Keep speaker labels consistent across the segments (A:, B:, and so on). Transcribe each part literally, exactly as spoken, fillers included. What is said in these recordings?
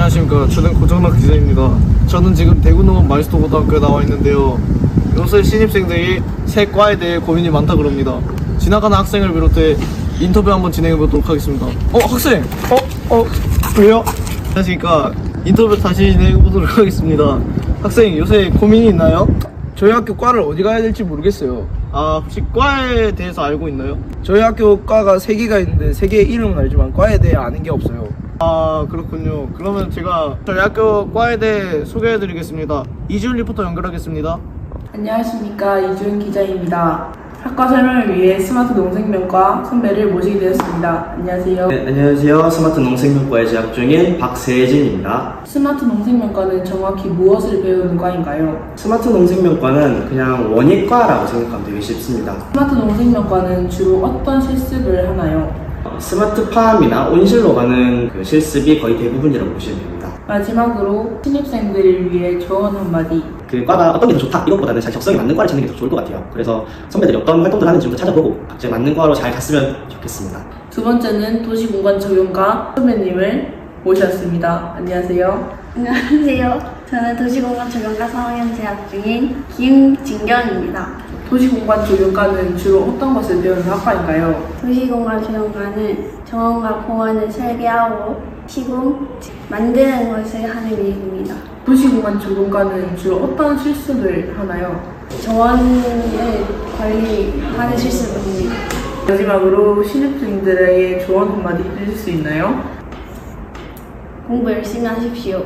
A: 안녕하십니까. 저는 고정락 기자입니다. 저는 지금 대구농업 마이스터고등학교에 나와 있는데요. 요새 신입생들이 새 과에 대해 고민이 많다 그럽니다. 지나가는 학생을 비롯해 인터뷰 한번 진행해 보도록 하겠습니다. 어, 학생! 어? 어? 왜요? 안녕하십니까. 인터뷰 다시 진행해 보도록 하겠습니다. 학생, 요새 고민이 있나요? 저희 학교 과를 어디 가야 될지 모르겠어요. 아, 혹시 과에 대해서 알고 있나요? 저희 학교 과가 세 개가 있는데 세 개의 이름은 알지만 과에 대해 아는 게 없어요. 아, 그렇군요. 그러면 제가 저희 학교 과에 대해 소개해 드리겠습니다. 이지훈 리포터 연결하겠습니다.
B: 안녕하십니까, 이준 기자입니다. 학과 설명을 위해 스마트 농생명과 선배를 모시게 되었습니다. 안녕하세요.
C: 네, 안녕하세요. 스마트 농생명과에 재학 중인 박세진입니다.
B: 스마트 농생명과는 정확히 무엇을 배우는 과인가요?
C: 스마트 농생명과는 그냥 원예과라고 생각하면 되게 쉽습니다.
B: 스마트 농생명과는 주로 어떤 실습을 하나요?
C: 스마트팜이나 온실로 가는 그 실습이 거의 대부분이라고 보시면 됩니다.
B: 마지막으로 신입생들을 위해 조언 한마디.
C: 그 과가 어떤 게 더 좋다 이것보다는 잘 적성에 맞는 과를 찾는 게 더 좋을 것 같아요. 그래서 선배들이 어떤 활동들 하는지 좀 더 찾아보고 각자에 맞는 과로 잘 갔으면 좋겠습니다.
B: 두 번째는 도시공간 적용과 선배님을 모셨습니다. 안녕하세요.
D: 안녕하세요. 저는 도시공간 적용과 삼 학년 재학 중인 김진경입니다.
B: 도시공간 적용과는 주로 어떤 것을 배우는 학과인가요?
D: 도시공간 적용과는 정원과 공원을 설계하고 시공, 만드는 것을 하는 일입니다.
B: 도시공간 적용과는 주로 어떤 실습을 하나요?
D: 정원을 관리하는 실습을 합니다.
B: 마지막으로 신입생들에게 조언 한마디 해줄 수 있나요?
D: 공부 열심히 하십시오.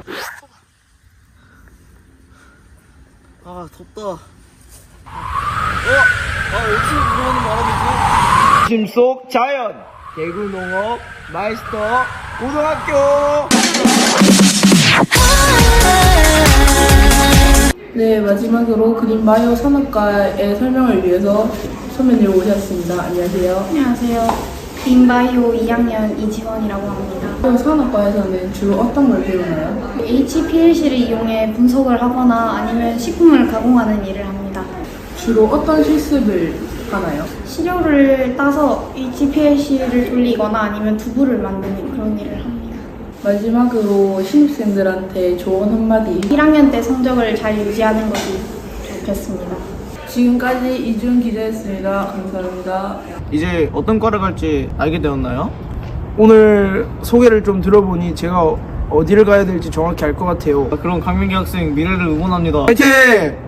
A: 아, 덥다. 어? 아, 어디서 들어오는 바람이지? 심속 자연 대구농업 마이스터 고등학교.
B: 네, 마지막으로 그린바이오 산업과의 설명을 위해서 선배님 오셨습니다. 안녕하세요.
D: 안녕하세요. 그린바이오 이 학년 이지원이라고 합니다.
B: 산업과에서는 주로 어떤 걸 배우나요?
D: 에이치피엘씨를 이용해 분석을 하거나 아니면 식품을 가공하는 일을 합니다.
B: 주로 어떤 실습을 하나요?
D: 시료를 따서 에이치피엘씨를 돌리거나 아니면 두부를 만드는 그런 일을 합니다.
B: 마지막으로 신입생들한테 조언 한마디.
D: 일 학년 때 성적을 잘 유지하는 것이 좋겠습니다.
B: 지금까지 이준 기자였습니다. 감사합니다.
A: 이제 어떤 과를 갈지 알게 되었나요? 오늘 소개를 좀 들어보니 제가 어디를 가야 될지 정확히 알 것 같아요. 그럼 강민기 학생 미래를 응원합니다. 화이팅!